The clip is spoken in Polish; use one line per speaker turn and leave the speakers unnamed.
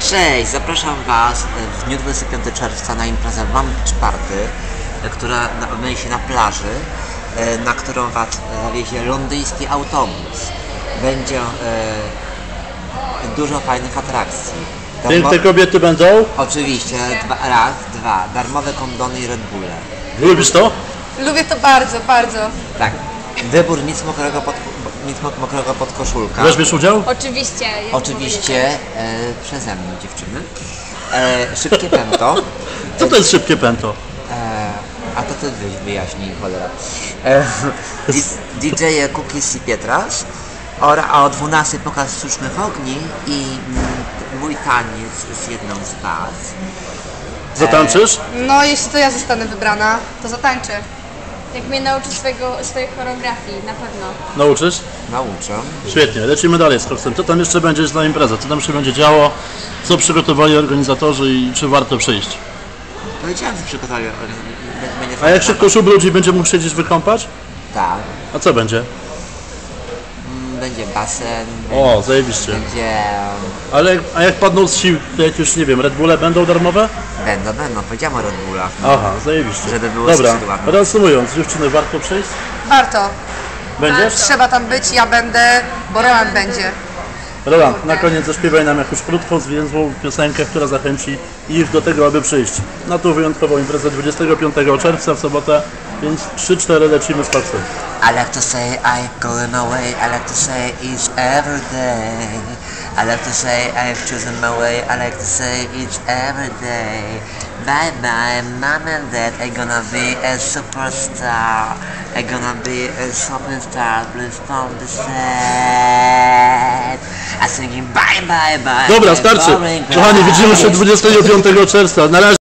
Cześć, zapraszam Was w dniu 25 czerwca na imprezę One Beach Party, która odbędzie się na plaży, na którą Was zawiezie londyński autobus. Będzie dużo fajnych atrakcji.
Piękne kobiety będą?
Oczywiście, dwa, darmowe kondony i Red Bulle.
Lubisz to?
Lubię to bardzo, bardzo.
Tak, wybór nic mokrego pod koszulka.
Weźmiesz udział?
Oczywiście.
Oczywiście przeze mnie, dziewczyny. Szybkie pęto.
Co to jest szybkie pęto?
A to ty wyjaśnij, cholera. DJ Cookies i Pietras. A o 12 pokaz sztucznych ogni i mój taniec z jedną z was.
Zatańczysz?
No, jeśli to ja zostanę wybrana, to zatańczę.
Jak mnie nauczy swojej choreografii, na pewno.
Nauczysz?
Nauczę.
Świetnie, lecimy dalej z koksem. Co tam jeszcze będzie na imprezę? Co tam się będzie działo? Co przygotowali organizatorzy i czy warto przyjść?
Powiedziałem, że przygotowali.
A jak się ktoś ubrudzi, będzie mógł się gdzieś wykąpać?
Tak.
A co będzie?
Będzie basen.
O, zajebiście.
Będzie...
A jak padną z sił, to jak już nie wiem, Red Bulle będą darmowe?
Będą. Powiedziałem o Red Bullach.
Aha, zajebiście.
Żeby było
Dobra,
skrzydłami.
reasumując, dziewczyny, warto przyjść?
Warto.
Będziesz?
Trzeba tam być, ja będę, bo Roland będzie.
Roland, na koniec zaśpiewaj nam jakąś krótką, zwięzłą piosenkę, która zachęci ich do tego, aby przyjść na tą wyjątkową imprezę 25 czerwca w sobotę, więc 3-4 lecimy z koksem.
I like to say I'm going away. I like to say it's every day. I like to say I've chosen my way. I like to say it's every day. Bye bye, mom and dad. I'm gonna be a superstar. I'm gonna be a superstar. Please don't be sad. I'm singing bye bye bye.
Dobra, starczy. Kochani, widzimy się 25 czerwca. Na razie.